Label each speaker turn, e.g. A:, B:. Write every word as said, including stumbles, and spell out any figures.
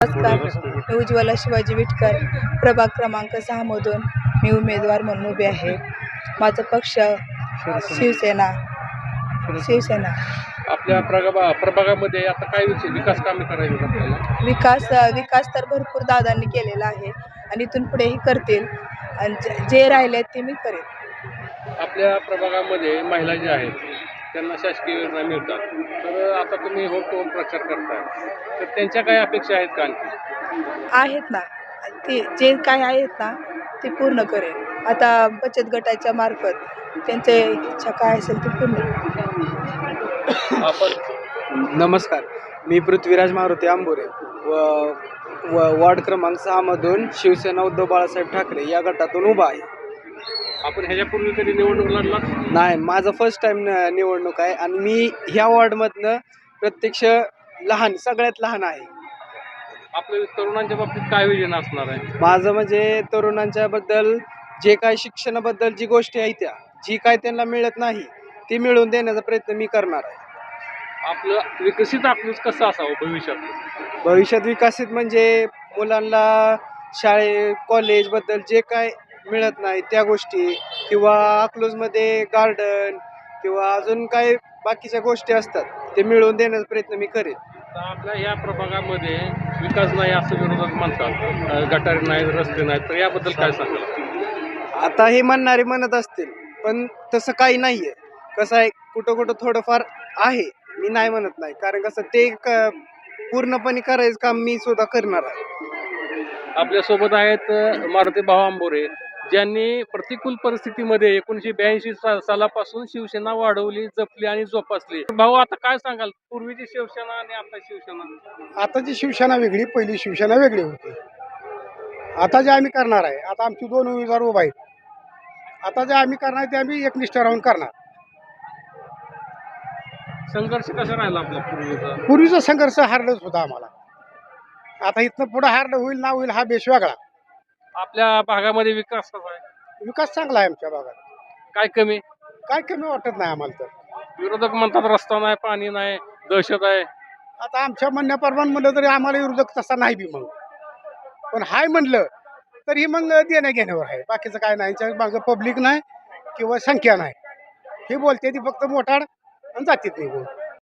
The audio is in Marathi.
A: नमस्कार, मी उज्ज्वला शिवाजी विटकर, प्रभाग क्रमांक सहा मधून मी उमेदवार म्हणून उभी आहे. माझा पक्ष शिवसेना शिवसेना
B: आपल्या प्रगा प्रभागामध्ये आता काय विषय विकास कामे करायची आपल्याला?
A: विकास विकास तर भरपूर दादांनी केलेला आहे आणि इथून पुढेही करतील आणि जे- जे राहिले ते मी करेन.
B: आपल्या प्रभागामध्ये महिला ज्या आहेत त्यांना शासकीय योजना मिळतात, तर आता तुम्ही होम टू होम प्रचार करताय, तर त्यांच्या काही अपेक्षा आहेत का आणखी?
A: आहेत ना, ते जे काय आहेत ना ते पूर्ण करेन. आता बचत गटाच्या मार्फत त्यांचे इच्छा काय असेल ते पूर्ण.
B: आपण
C: नमस्कार, मी पृथ्वीराज मारुती आंबोरे व व वॉर्ड क्रमांक सहामधून शिवसेना उद्धव बाळासाहेब ठाकरे या गटातून उभा आहे.
B: आपण ह्याच्यापूर्वी कधी निवडणूक लढला?
C: नाही, माझं फर्स्ट टाईम निवडणूक आहे आणि मी ह्या वॉर्डमधनं प्रत्यक्ष लहान सगळ्यात लहान आहे.
B: आपल्या तरुणांच्या बाबतीत काय विजन असणार आहे?
C: माझं म्हणजे तरुणांच्याबद्दल जे काय शिक्षणाबद्दल जी गोष्टी आहेत त्या जी काय त्यांना मिळत नाही ती मिळवून देण्याचा प्रयत्न मी करणार आहे.
B: आपलं विकसित आपलं कसं असावं भविष्यात?
C: भविष्यात विकसित म्हणजे मुलांना शाळे कॉलेजबद्दल जे काय मिळत नाही त्या गोष्टी, किंवा अकलूजमध्ये गार्डन किंवा अजून काही बाकीच्या गोष्टी असतात ते मिळवून देण्याचा प्रयत्न मी करेन.
B: तर आपल्या ह्या प्रभागामध्ये विकास नाही असं विरोधक म्हणतात, गटारी नाहीत, रस्ते नाहीत, तर याबद्दल काय सांगाल?
C: आता हे म्हणणारे म्हणत असतील, पण तसं काही नाही आहे. कसं आहे, कुठं कुठं थोडंफार आहे, मी नाही म्हणत नाही, कारण कसं ते क पूर्णपणे करायचं काम मी सुद्धा करणार आहे.
B: आपल्यासोबत आहेत अ, मारुती भाऊ आंबोरे, ज्यांनी प्रतिकूल परिस्थितीमध्ये एकोणीसशे ब्याऐंशी सा सालापासून शिवसेना वाढवली, जपली आणि जोपासली. भाऊ, आता काय सांगाल, पूर्वीची शिवसेना आणि आता शिवसेना?
D: आताची शिवसेना वेगळी, पहिली शिवसेना वेगळी होती. आता जे आम्ही करणार आहे, आता आमची दोन उमेदवार उभा आहेत. आता जे आम्ही करणार आहे ते आम्ही एकनिष्ठ राहून करणार.
B: संघर्ष कसा राहिला आपला पूर्वीचा?
D: पूर्वीचा संघर्ष हारलंच होता आम्हाला. आता इथनं पुढं हारलं होईल ना होईल हा बेश वेगळा.
B: आपल्या भागामध्ये विकास कसा आहे?
D: विकास चांगला आहे आमच्या भागात,
B: काय कमी?
D: काय कमी वाटत नाही आम्हाला. तर
B: विरोधक म्हणतात रस्ता नाही, पाणी नाही, दहशत आहे.
D: आता आमच्या म्हणण्याप्रमाणे म्हणलं तरी आम्हाला विरोधक तसा नाही बी, मग पण हाय म्हणलं तरी मग देण्या घेण्यावर आहे, बाकीचं काय नाही. यांच्या मागं पब्लिक नाही किंवा संख्या नाही, हे बोलते ती फक्त मोठाड आणि जातीत निघून.